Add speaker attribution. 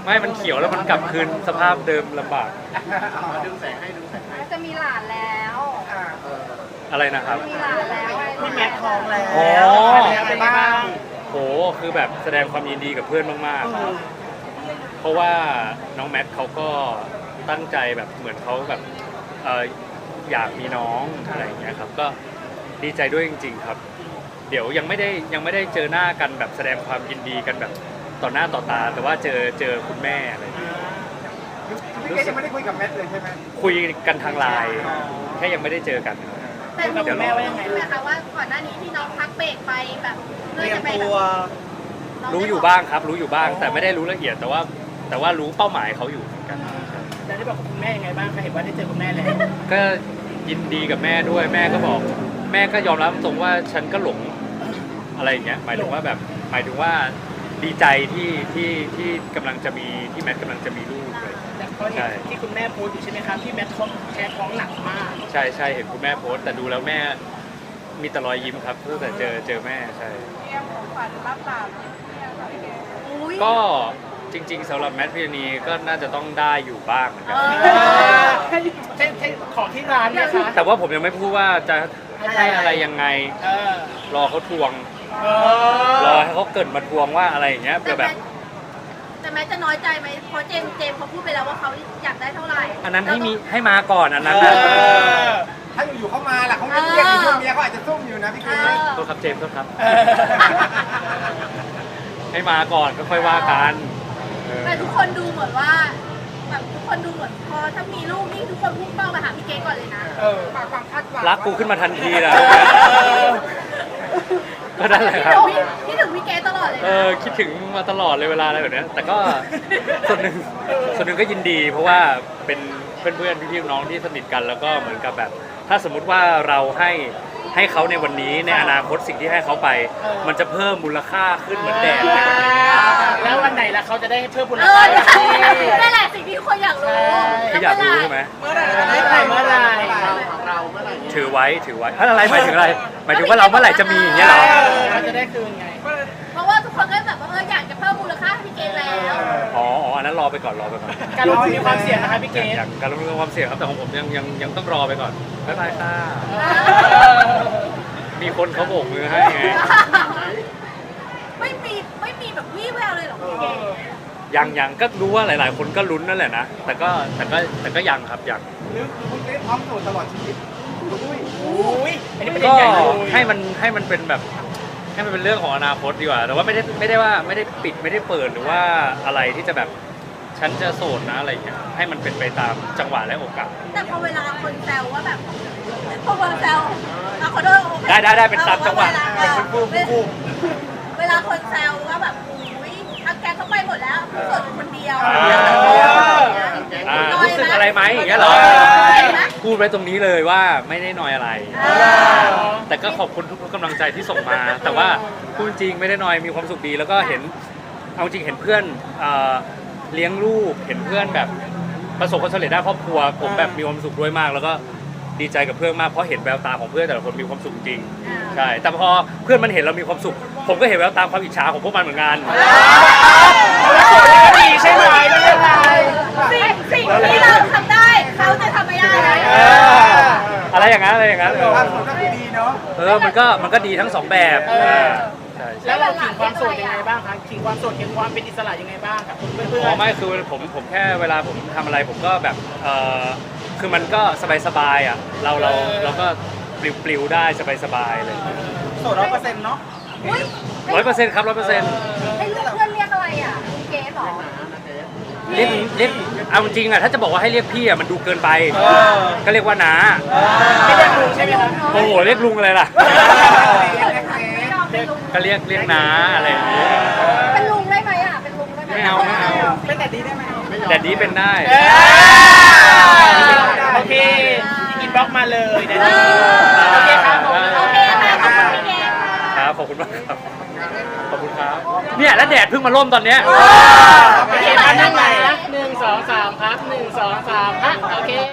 Speaker 1: ไม่มันเขียวแล้วมันกลับคืนสภาพเดิมลำบาก
Speaker 2: ดึงแสงให้
Speaker 3: จะมีหลานแล้ว
Speaker 1: อะไรนะครับ
Speaker 3: มีหลานแล้ว
Speaker 2: พี่แมทท้องแล้ว
Speaker 1: เป็นไงบ้างโหคือแบบแสดงความยินดีกับเพื่อนมากๆเพราะว่าน้องแมทเขาก็ตั้งใจแบบเหมือนเขาแบบอยากมีน้องอะไรอย่างเงี้ยครับก็ดีใจด้วยจริงๆครับเดี๋ยวยังไม่ได้เจอหน้ากันแบบแสดงความยินดีกันแบบต่อหน้าต่อตาแต่ว่าเจอคุณแม่อะไร
Speaker 2: พี่เกยังไม่ได้คุยกับแมทเลยใช่ไหม
Speaker 1: คุยกันทางไลน์แค่ยังไม่ได้เจอกัน
Speaker 3: แต่รู้แม่ว่ายังไงคะว่าก่อนหน้านี้ที่น้องพักเบรกไปแบบเพื่อจะไปแบบ
Speaker 1: รู้อยู่บ้างครับรู้อยู่บ้างแต่ไม่ได้รู้ละเอียดแต่ว่ารู้เป้าหมายเขาอยู่เหมือนกัน
Speaker 2: แล้วได้บอกกับคุณแม่ยังไงบ้างคะเห็นว่าได้เจอคุณแม่แล้ว
Speaker 1: ก็ยินดีกับแม่ด้วยแม่ก็บอกแม่ก็ยอมรับตรงว่าฉันก็หลงอะไรอย่างเงี้ยหมายถึงว่าดีใจที่กำลังจะมีที่แมทกำลังจะมีลูกเลย
Speaker 2: ใช่ที่คุณแม่โพสต์อยู่ใช่ไหมครับที่แมทแพ้ท้องหนักมาก
Speaker 1: ใช่เห็นคุณแม่โพสต์แต่ดูแล้วแม่มีแต่รอยยิ้มครับตั้งแต่เจอแม่ใช่
Speaker 3: ของขวัญรับตาม
Speaker 1: ก็จริงๆสำหรับแมทพิรณีก็น่าจะต้องได้อยู่บ้างเหมือนกัน
Speaker 2: ของที่ร้านเนี่ยคะ
Speaker 1: แต่ว่าผมยังไม่พูดว่าจะให้อะไรยังไงรอเขาทวงรอให้เขาเกิดมาทวงว่าอะไรอย่างเงี้ยแบบ
Speaker 3: แต่แม้จะน้อยใจไหมเพราะเจมเขาพูดไปแล้วว่าเขาอยากได้เท่าไหร่
Speaker 1: อันนั้นให้มาก่อนอันนั้น
Speaker 2: ถ้าอยู่เข้ามาล่ะเขาไม่เรียกช่วงนี้เขาอาจจะซุ่มอยู่นะพี่เกศ
Speaker 1: โทษครับเจมส์ครับให้มาก่อนก็ค่อยว่ากัน
Speaker 3: แต่ทุกคนดูเหมือนว่าแบบทุกคนดูเหมือนพอถ้ามีลูกนี่ทุกคนพุ่งเป้าไปหาพี่เกศก่อนเลยนะความคาดหวัง
Speaker 1: รักกูขึ้นมาทันทีนะก็นั่นแหละครับ
Speaker 3: คิดถึงพี่เกศตลอดเลย
Speaker 1: คิดถึงมาตลอดเลยเวลาอะไรแบบนี้แต่ก็ส่วนหนึ่งก็ยินดีเพราะว่าเป็นเพื่อนพี่น้องที่สนิทกันแล้วก็เหมือนกับแบบถ้าสมมุติว่าเราให้เขาในวันนี้ในอนาคตสิ่งที่ให้เขาไปมันจะเพิ่มมูลค่าขึ้นเหมือนแดดในวันนี้
Speaker 2: แล้ววันไหนล่ะเขาจะได้เพิ่มมูลค่า
Speaker 3: นั่นแหละสิ่งที่ทุกคนอยากรู้
Speaker 1: ที่อยากรู้ใช่ไหม
Speaker 2: เมื่อไหร่เราเมื่อไหร่
Speaker 1: ถือไว้อะไรหมายถึงอะไรหมายถึงว่าเราเมื่อไหร่จะมีอย่างเงี้ยหรอ
Speaker 2: เขาจะได้คืนไง
Speaker 3: เพราะว่าทุกคนก็แบบว่าอยากจะเพิ่มมูลค่าให้พี่เกศแล้ว
Speaker 1: อันนั้นรอไปก่อน
Speaker 2: การลงทุนมีความเสี่ยงนะคะพี่เกศ
Speaker 1: การลงทุนมีความเสี่ยงครับแต่ของผมยังต้องรอไปก่อนบ๊ายบายค่ะมีคนเขาโบกมือให้ไง
Speaker 3: ไม่มีแบบวี่แววเลยหรอพี่เกศ
Speaker 1: ยังก็รู้ว่าหลายๆคนก็ลุ้นนั่นแหละนะแต่ก็ยังครับยัง
Speaker 2: หรือคุณเกศพร้อมโสดตลอดชีวิต
Speaker 1: ก็ให้มันเป็นแบบให้มันเป็นเรื่องของอนาคตดีกว่าแต่ว่าไม่ได้ปิดไม่ได้เปิดหรือว่าอะไรที่จะแบบฉันจะโสดนะอะไรอย่างเงี้ยให้มันเป็นไปตามจังหวะและโอกาส
Speaker 3: แต่พอเวลาคนแซวว่าแบบพอคนแซวขอโทษ
Speaker 1: ได้เป็นตามจังหวะ
Speaker 3: เวลาคนแซวว่าแบบอุ้ยทักแกเขาไปหมดแล้วโสดคนเดียว
Speaker 1: รู้สึกอะไรไหมอย่างเงี้ยเหรอพูดไว้ตรงนี้เลยว่าไม่ได้น้อยอะไรแต่ก็ขอบคุณทุกกำลังใจที่ส่งมาแต่ว่าพูดจริงไม่ได้น้อยมีความสุขดีแล้วก็เห็นเอาจริงเห็นเพื่อนเลี้ยงลูกเห็นเพื่อนแบบประสบความสำเร็จด้านครอบครัวผมแบบมีความสุขด้วยมากแล้วก็ดีใจกับเพื่อนมากเพราะเห็นแววตาของเพื่อนแต่ละคนมีความสุขจริงใช่แต่พอเพื่อนมันเห็นเรามีความสุขผมก็เห็นแววตาความอิจฉาของพวกมันเหมือนกัน
Speaker 2: ดีใช่ไหม
Speaker 3: สิ่งที่เราทำได้เขาจะทำไม่ได้
Speaker 1: อะไรอย่างนั้น
Speaker 2: ความสุขก็ดีเนาะ
Speaker 1: มันก็ดีทั้งสองแบบ
Speaker 2: แล้วเราขิงความโสดยังไงบ้างคะขิงความโสดขิงความเป็นอิสระยังไงบ้างกับเพื่อน
Speaker 1: ไม่คือผมแค่เวลาผมทำอะไรผมก็แบบคือมันก็สบายอ่ะเราก็ปลิวได้สบายเลย
Speaker 2: โสด100%เนาะ
Speaker 1: 100%ครับ100%
Speaker 3: ให้เพื่อนเรียกอะไรอ่ะเกสหรอ
Speaker 1: เรียกเอาจริงอ่ะถ้าจะบอกว่าให้เรียกพี่อ่ะมันดูเกินไปก็เรียกว่าน้า
Speaker 2: ไม่เรียกลุงใช่ไหมคะ
Speaker 1: โอ้โหเรียกลุงอะไรล่ะก็เรียกน้าอะไรอย่างเงี้ย
Speaker 3: เป็นลุงได้ไหมอ่ะเป็นลุงได้ไหม
Speaker 1: ไม่เอา
Speaker 2: เป็นแดดดี้ได้ไหม
Speaker 1: แดดดี้เป็นได้
Speaker 2: โอเคอินบ็อกมาเลยแดดดี้โอเคครับ
Speaker 3: ขอบคุณพี่เกศ
Speaker 1: ครับขอบคุณมากครับขอบคุณครับเนี่ยแล้วแดดเพิ่งมาร่มตอนเนี้ย
Speaker 2: โอเคมานั่งใหม่นะ1 2 3ครับ1 2 3ฮะโอเค